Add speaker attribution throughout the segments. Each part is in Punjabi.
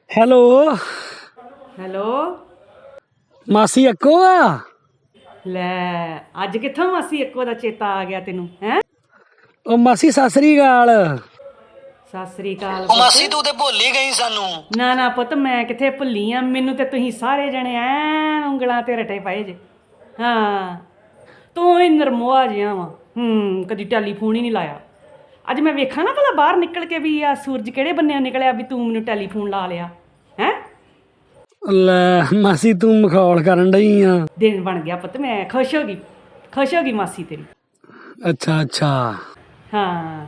Speaker 1: Hello
Speaker 2: hello.
Speaker 1: ਮਾਸੀ ਅੱਕੋ ਆ।
Speaker 2: ਲੈ ਅੱਜ ਕਿੱਥੋਂ ਮਾਸੀ ਇੱਕੋ ਦਾ ਚੇਤਾ ਆ ਗਿਆ ਤੈਨੂੰ ਹੈ?
Speaker 1: ਉਹ ਮਾਸੀ ਸਤਿ ਸ੍ਰੀ ਅਕਾਲ।
Speaker 2: ਸਤਿ ਸ੍ਰੀ ਅਕਾਲ
Speaker 3: ਉਹ ਮਾਸੀ ਤੂੰ ਤੇ ਭੁੱਲ ਹੀ ਗਈ ਸਾਨੂੰ।
Speaker 2: ਨਾ ਨਾ ਪੁੱਤ, ਮੈਂ ਕਿੱਥੇ ਭੁੱਲੀ ਆ। ਮੈਨੂੰ ਤੇ ਤੁਸੀਂ ਸਾਰੇ ਜਣੇ ਐਨ ਉਂਗਲਾਂ ਤੇ ਰਟੇ ਪਏ ਜੇ। ਹਾਂ, ਤੂੰ ਹੀ ਨਰਮੋਆ ਜਿਹਾ ਵਾ। ਕਦੀ ਟੈਲੀਫੋਨ ਹੀ ਨਹੀਂ ਲਾਇਆ। ਅੱਜ ਮੈਂ ਵੇਖਾਂ ਨਾ ਭਲਾ ਬਾਹਰ ਨਿਕਲ ਕੇ ਵੀ ਆ ਸੂਰਜ ਕਿਹੜੇ ਬੰਨਿਆਂ ਨਿਕਲਿਆ ਵੀ ਤੂੰ ਮੈਨੂੰ ਟੈਲੀਫੋਨ ਲਾ ਲਿਆ ਹੈ।
Speaker 1: ਲੈ ਮਾਸੀ ਤੂੰ ਮਖੌਲ ਕਰਨ ਡਈ ਆ।
Speaker 2: ਦਿਨ ਬਣ ਗਿਆ ਪੁੱਤ, ਮੈਂ ਖੁਸ਼ ਹੋ ਗਈ ਮਾਸੀ ਤੇਰੀ।
Speaker 1: ਅੱਛਾ ਅੱਛਾ।
Speaker 2: ਹਾਂ,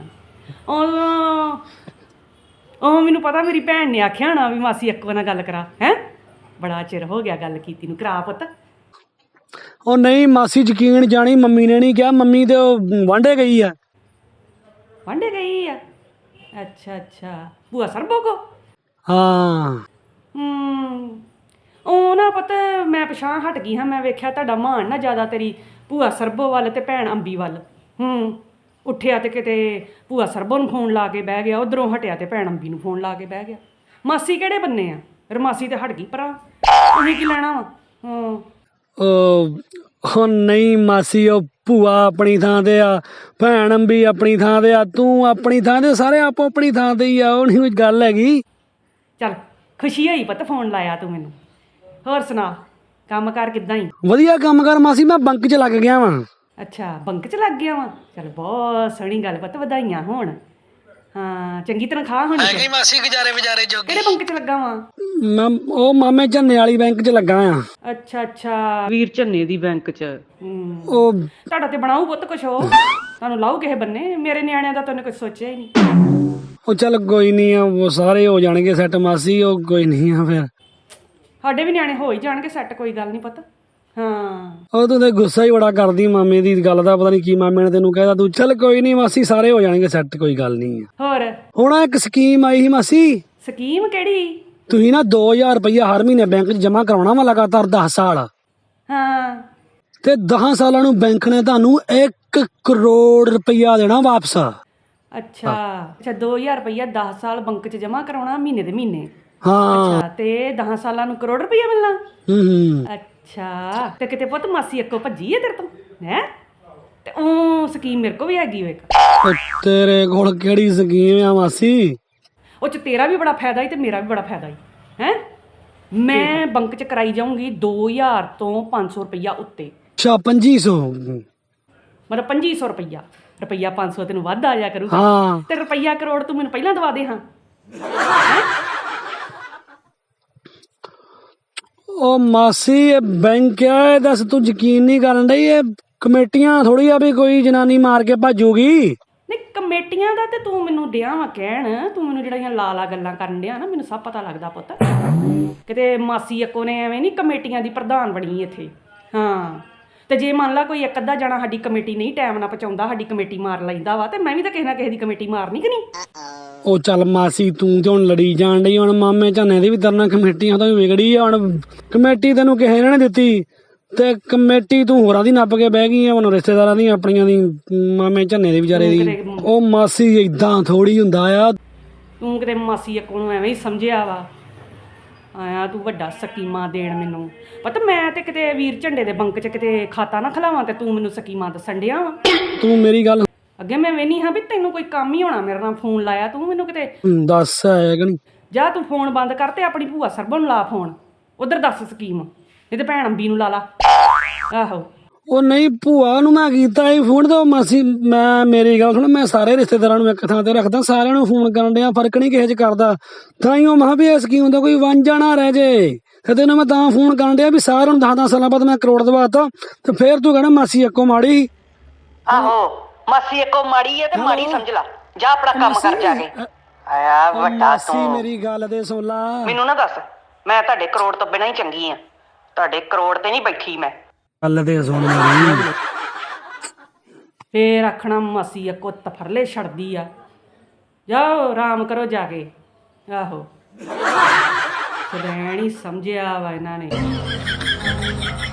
Speaker 2: ਉਹ ਮੈਨੂੰ ਪਤਾ ਮੇਰੀ ਭੈਣ ਨੇ ਆਖਿਆ ਹੋਣਾ ਵੀ ਮਾਸੀ ਇੱਕੋ ਨਾਲ ਗੱਲ ਕਰਾ। ਹੈ ਬੜਾ ਚਿਰ ਹੋ ਗਿਆ ਗੱਲ ਕੀਤੀ ਨੂੰ, ਕਰਾ ਪੁੱਤ।
Speaker 1: ਉਹ ਨਹੀਂ ਮਾਸੀ ਯਕੀਨ ਜਾਣੀ, ਮੰਮੀ ਨੇ ਨਹੀਂ ਕਿਹਾ। ਮੰਮੀ ਤੇ ਉਹ ਵਾਂਢੇ ਗਈ ਆ।
Speaker 2: ਵਾਂਢੇ ਗਈ ਆ? ਅੱਛਾ ਅੱਛਾ, ਭੂਆ ਸਰਬੋ ਕੋ?
Speaker 1: ਹਾਂ।
Speaker 2: ਉਹ ਨਾ ਪੁੱਤ ਮੈਂ ਪਿਛਾਂ ਹਟ ਗਈ ਹਾਂ। ਮੈਂ ਵੇਖਿਆ ਤੁਹਾਡਾ ਮਾਣ ਨਾ ਜ਼ਿਆਦਾ ਤੇਰੀ ਭੂਆ ਸਰਬੋ ਵੱਲ ਤੇ ਭੈਣ ਅੰਬੀ ਵੱਲ। ਉੱਠਿਆ ਤੇ ਕਿਤੇ ਭੂਆ ਸਰਬੋ ਨੂੰ ਫੋਨ ਲਾ ਕੇ ਬਹਿ ਗਿਆ, ਉਧਰੋਂ ਹਟਿਆ ਤੇ ਭੈਣ ਅੰਬੀ ਨੂੰ ਫੋਨ ਲਾ ਕੇ ਬਹਿ ਗਿਆ। ਮਾਸੀ ਕਿਹੜੇ ਬੰਨੇ ਆ? ਰਮਾਸੀ ਤੇ ਹਟ ਗਈ ਭਰਾ, ਉਹਨੇ ਕੀ ਲੈਣਾ ਵਾ?
Speaker 1: ਉਹ ਨਹੀਂ ਮਾਸੀ, ਉਹ ਭੂਆ ਆਪਣੀ ਥਾਂ ਤੇ ਆ, ਭੈਣ ਅੰਬੀ ਆਪਣੀ ਥਾਂ ਤੇ ਆ, ਤੂੰ ਆਪਣੀ ਥਾਂ ਤੇ, ਸਾਰੇ ਆਪੋ ਆਪਣੀ ਥਾਂ ਤੇ ਹੀ ਆ। ਉਹ ਨਹੀਂ ਕੋਈ ਗੱਲ ਹੈਗੀ।
Speaker 2: ਚੱਲ ਖੁਸ਼ੀ ਹੋਈ ਪੁੱਤ ਫੋਨ ਲਾਇਆ ਤੂੰ ਮੈਨੂੰ। ਹੋਰ ਸੁਣਾ, ਕੰਮ ਕਾਰ ਕਿੱਦਾਂ ਹੀ?
Speaker 1: ਵਧੀਆ ਕੰਮ ਕਰ ਮਾਸੀ, ਮੈਂ ਬੰਕ 'ਚ ਲੱਗ ਗਿਆ ਵਾਂ।
Speaker 2: ਅੱਛਾ, ਬੰਕ 'ਚ ਲੱਗ ਗਿਆ ਵਾਂ। ਚੱਲ ਬਹੁਤ ਸੋਹਣੀ ਗੱਲ ਪੁੱਤ, ਵਧਾਈਆਂ ਹੋਣ। ਹਾਂ, ਚੰਗੀ ਤਨਖਾਹ ਹੋਣੀ।
Speaker 3: ਹੈਗੀ ਮਾਸੀ ਗੁਜ਼ਾਰੇ ਵਿਚਾਰੇ ਜੋਗੀ।
Speaker 2: ਕਿਹੜੇ ਬੰਕ 'ਚ ਲੱਗਾ ਵਾਂ?
Speaker 1: ਮੈਂ ਉਹ ਮਾਮੇ ਝੰਨੇ ਵਾਲੀ ਬੈਂਕ 'ਚ ਲੱਗਾ ਆ।
Speaker 2: ਅੱਛਾ ਅੱਛਾ, ਵੀਰ ਝੰਨੇ ਦੀ ਬੈਂਕ 'ਚ।
Speaker 1: ਉਹ
Speaker 2: ਤੁਹਾਡਾ ਤੇ ਬਣਾਊ ਪੁੱਤ ਕੁਛ, ਹੋ ਤੁਹਾਨੂੰ ਲਾਊ ਕਿਸੇ ਬੰਨੇ। ਮੇਰੇ ਨਿਆਣਿਆਂ ਦਾ ਤਾਂ ਉਹਨੇ ਕੁਛ ਸੋਚਿਆ ਹੀ ਨਹੀਂ।
Speaker 1: ਉਹ ਚੱਲ ਕੋਈ ਨਹੀਂ ਆ, ਉਹ ਸਾਰੇ ਹੋ ਜਾਣਗੇ ਸੈੱਟ ਮਾਸੀ। ਉਹ ਕੋਈ ਨਹੀਂ ਆ, ਫਿਰ
Speaker 2: ਸਾਡੇ ਵੀ ਨਿਆਣੇ ਹੋ ਹੀ ਜਾਣਗੇ ਸੈੱਟ, ਕੋਈ ਗੱਲ ਨਹੀਂ ਪੁੱਤ। ਹਾਂ,
Speaker 1: ਉਹ ਤੂੰ ਤੇ ਗੁੱਸਾ ਹੀ ਬੜਾ ਕਰਦੀ ਮਾਮੇ ਦੀ ਗੱਲ ਦਾ, ਪਤਾ ਨਹੀਂ ਕੀ ਮਾਮੇ ਨੇ ਤੈਨੂੰ ਕਹਿਦਾ। ਤੂੰ ਚੱਲ ਕੋਈ ਨਹੀਂ ਮਾਸੀ, ਸਾਰੇ ਹੋ ਜਾਣਗੇ ਸੈੱਟ, ਕੋਈ ਗੱਲ ਨਹੀਂ।
Speaker 2: ਹੋਰ
Speaker 1: ਹੁਣ ਇੱਕ ਸਕੀਮ ਆਈ ਸੀ ਮਾਸੀ।
Speaker 2: ਸਕੀਮ ਕਿਹੜੀ?
Speaker 1: ਤੁਸੀਂ ਨਾ 2000 ਰੁਪਈਆ ਹਰ ਮਹੀਨੇ ਬੈਂਕ 'ਚ ਜਮ੍ਹਾਂ ਕਰਾਉਣਾ ਵਾ ਲਗਾਤਾਰ 10 ਸਾਲ।
Speaker 2: ਹਾਂ,
Speaker 1: ਤੇ 10 ਸਾਲਾਂ ਨੂੰ ਬੈਂਕ ਨੇ ਤੁਹਾਨੂੰ 1 ਕਰੋੜ ਰੁਪਈਆ ਦੇਣਾ ਵਾਪਸ।
Speaker 2: ਅੱਛਾ ਅੱਛਾ, 2000 ਰੁਪਈਆ 10 ਸਾਲ ਬੈਂਕ 'ਚ ਜਮ੍ਹਾਂ ਕਰਾਉਣਾ ਮਹੀਨੇ ਦੇ ਮਹੀਨੇ।
Speaker 1: ਹਾਂ,
Speaker 2: ਅੱਛਾ, ਤੇ 10 ਸਾਲਾਂ ਨੂੰ ਕਰੋੜ ਰੁਪਈਆ ਮਿਲਣਾ। ਅੱਛਾ, ਤੇ ਕਿਤੇ ਪੁੱਤ ਮਾਸੀ ਇੱਕੋ ਭੱਜੀ ਹੈ ਤੇਰੇ ਤੋਂ ਹੈ? ਤੇ ਉਹ ਸਕੀਮ ਮੇਰੇ ਕੋਲ ਵੀ ਹੈਗੀ ਓ ਇੱਕ।
Speaker 1: ਤੇਰੇ ਕੋਲ ਕਿਹੜੀ ਸਕੀਮ ਆ ਮਾਸੀ?
Speaker 2: ਉਹ 'ਚ ਤੇਰਾ ਵੀ ਬੜਾ ਫਾਇਦਾ ਹੀ ਤੇ ਮੇਰਾ ਵੀ ਬੜਾ ਫਾਇਦਾ ਹੀ ਹੈ। ਮੈਂ ਬੈਂਕ 'ਚ ਕਰਾਈ ਜਾਊਂਗੀ 2000 ਤੋਂ 500 ਰੁਪਈਆ ਉੱਤੇ।
Speaker 1: ਅੱਛਾ 2500?
Speaker 2: ਮਤਲਬ 2500 ਰੁਪਈਆ। ਰੁਪਈਆ 500 ਤੈਨੂੰ ਵੱਧ ਆ ਜਾ ਕਰੂਗਾ।
Speaker 1: ਹਾਂ,
Speaker 2: ਤੇ ਰੁਪਈਆ ਕਰੋੜ ਤੂੰ ਮੈਨੂੰ ਪਹਿਲਾਂ ਦਵਾ ਦੇ ਹਾਂ।
Speaker 1: ਉਹ ਮਾਸੀ ਇਹ ਬੈਂਕ ਆ, ਦੱਸ ਤੂੰ ਯਕੀਨ ਨਹੀਂ ਕਰਨ ਡਈ? ਇਹ ਕਮੇਟੀਆਂ ਥੋੜੀ ਆ ਵੀ ਕੋਈ ਜਨਾਨੀ ਮਾਰ ਕੇ ਭੱਜੂਗੀ।
Speaker 2: ਨਹੀਂ, ਕਮੇਟੀਆਂ ਦਾ ਤੇ ਤੂੰ ਮੈਨੂੰ ਡਿਆ ਵਾ ਕਹਿਣ। ਤੂੰ ਮੈਨੂੰ ਜਿਹੜੀਆਂ ਲਾ ਗੱਲਾਂ ਕਰਨ ਡਿਆ ਨਾ, ਮੈਨੂੰ ਸਭ ਪਤਾ ਲੱਗਦਾ ਪੁੱਤ। ਕਿਤੇ ਮਾਸੀ ਇੱਕੋ ਨੇ ਐਵੇਂ ਨਹੀਂ ਕਮੇਟੀਆਂ ਦੀ ਪ੍ਰਧਾਨ ਬਣੀ ਇੱਥੇ। ਹਾਂ, ਤੇ ਜੇ ਮੰਨ ਲਾ ਕੋਈ ਇੱਕ ਅੱਧਾ ਜਾਣਾ ਸਾਡੀ ਕਮੇਟੀ ਨਹੀਂ ਟਾਈਮ ਨਾਲ ਪਹੁੰਚਾਉਂਦਾ, ਸਾਡੀ ਕਮੇਟੀ ਮਾਰ ਲੈਂਦਾ ਵਾ, ਤੇ ਮੈਂ ਵੀ ਤਾਂ ਕਿਸੇ ਨਾ ਕਿਸੇ ਦੀ ਕਮੇਟੀ ਮਾਰਨੀ ਕਿ ਨਹੀਂ?
Speaker 1: ਉਹ ਚੱਲ ਮਾਸੀ ਤੂੰ ਤੇ ਹੁਣ ਲੜੀ ਜਾਣ ਡਈ। ਹੁਣ ਮਾਮੇ ਝਾਨੇ ਦੀ ਵੀ ਤਰਨਾ ਕਮੇਟੀਆਂ ਤੋਂ ਵੀ ਵਿਗੜੀ ਆ। ਹੁਣ ਕਮੇਟੀ ਤੈਨੂੰ ਕਿਸੇ ਨੇ ਨਹੀਂ ਦਿੱਤੀ ਤੇ ਕਮੇਟੀ ਤੂੰ ਹੋਰਾਂ ਦੀ ਨੱਪ ਕੇ ਬਹਿ ਗਈ ਆ। ਹੁਣ ਰਿਸ਼ਤੇਦਾਰਾਂ ਦੀ ਆਪਣੀਆਂ ਦੀ, ਮਾਮੇ ਝਾਨੇ ਦੇ ਵਿਚਾਰੇ ਦੀ। ਉਹ ਮਾਸੀ ਏਦਾਂ ਥੋੜੀ ਹੁੰਦਾ ਆ।
Speaker 2: ਤੂੰ ਕਿਤੇ ਮਾਸੀ ਇੱਕੋ ਨੂੰ ਐਵੇਂ ਹੀ ਸਮਝਿਆ ਵਾ। ਆਇਆ ਤੂੰ ਵੱਡਾ ਸਕੀਮਾਂ ਦੇਣ ਮੈਨੂੰ। ਪਤਾ ਮੈਂ ਤੇ ਕਿਤੇ ਵੀਰ ਝੰਡੇ ਦੇ ਬੈਂਕ 'ਚ ਕਿਤੇ ਖਾਤਾ ਨਾ ਖਲਾਵਾਂ ਤੇ ਤੂੰ ਮੈਨੂੰ ਸਕੀਮਾਂ ਦੱਸਣ ਡਿਆ ਵਾ।
Speaker 1: ਤੂੰ ਮੇਰੀ ਗੱਲ
Speaker 2: ਅੱਗੇ ਮੈਂ ਵੇਖਣੀ ਹਾਂ ਵੀ ਤੈਨੂੰ ਕੋਈ ਕੰਮ ਹੀ ਹੋਣਾ ਮੇਰੇ ਨਾਲ ਫੋਨ ਲਾਇਆ ਤੂੰ ਮੈਨੂੰ ਕਿਤੇ।
Speaker 1: ਦੱਸ ਹੈ ਕਿ ਨਹੀਂ?
Speaker 2: ਜਾ ਤੂੰ ਫੋਨ ਬੰਦ ਕਰ ਤੇ ਆਪਣੀ ਭੂਆ ਸਰਬੋ ਨੂੰ ਲਾ ਫੋਨ, ਉਧਰ ਦੱਸ ਸਕੀਮ। ਨਹੀਂ ਤੇ ਭੈਣ ਅੰਬੀ ਨੂੰ ਲਾ ਲਾ। ਆਹੋ,
Speaker 1: ਉਹ ਨਹੀਂ ਭੂਆ ਨੂੰ ਮੈਂ ਕੀਤਾ ਸੀ ਫੋਨ। ਤੇ ਮਾਸੀ ਮੈਂ ਮੇਰੀ ਗੱਲ ਸੁਣ, ਮੈਂ ਸਾਰੇ ਰਿਸ਼ਤੇਦਾਰਾਂ ਨੂੰ ਇੱਕ ਥਾਂ ਤੇ ਰੱਖਦਾ, ਸਾਰਿਆਂ ਨੂੰ ਫੋਨ ਕਰਨ ਡਿਆ, ਫਰਕ ਨਹੀਂ ਕਿਸੇ 'ਚ ਕਰਦਾ। ਤਾਂ ਹੀ ਉਹ ਮੈਂ ਵੀ ਇਹ ਸਕੀਮ ਦਾ ਕੋਈ ਵਾਂਝਾ ਨਾ ਰਹਿ ਜੇ। ਤੇ ਤੈਨੂੰ ਮੈਂ ਤਾਂ ਫੋਨ ਕਰਨ ਡਿਆ ਵੀ ਸਾਰਿਆਂ ਨੂੰ 10-10 ਸਾਲਾਂ ਬਾਅਦ ਮੈਂ ਕਰੋੜ ਦਵਾਤਾ। ਤੇ ਫੇਰ ਤੂੰ ਕਹਿਣਾ ਮਾਸੀ ਇੱਕੋ ਮਾੜੀ।
Speaker 3: ਆਹੋ, ਮਾਸੀ ਇੱਕੋ ਮਾੜੀ ਹੈ ਤੇ ਮਾੜੀ ਸਮਝ ਲਾ। ਜਾ ਆਪਣਾ ਕੰਮ ਕਰ ਜਾ ਕੇ। ਆਇਆ ਵੱਡਾ
Speaker 1: ਮਾਸੀ
Speaker 3: ਤੂੰ।
Speaker 1: ਮੇਰੀ ਗੱਲ ਤੇ ਸੁਣ ਲਾ।
Speaker 3: ਮੈਨੂੰ ਨਾ ਦੱਸ, ਮੈਂ ਤੁਹਾਡੇ ਕਰੋੜ ਤੋਂ ਬਿਨਾਂ ਹੀ ਚੰਗੀ ਆ। ਤੁਹਾਡੇ ਕਰੋੜ ਤੇ ਨਹੀਂ ਬੈਠੀ ਮੈਂ।
Speaker 1: ਗੱਲ ਤੇ ਸੁਣ ਮੇਰੀ।
Speaker 2: ਫੇਰ ਆਖਣਾ ਮਾਸੀ ਇੱਕੋ ਤਫਰਲੇ ਛੱਡਦੀ ਆ। ਜਾਓ ਆਰਾਮ ਕਰੋ ਜਾ ਕੇ। ਆਹੋ, ਰਹਿਣ ਹੀ ਸਮਝਿਆ ਵਾ ਇਹਨਾਂ ਨੇ।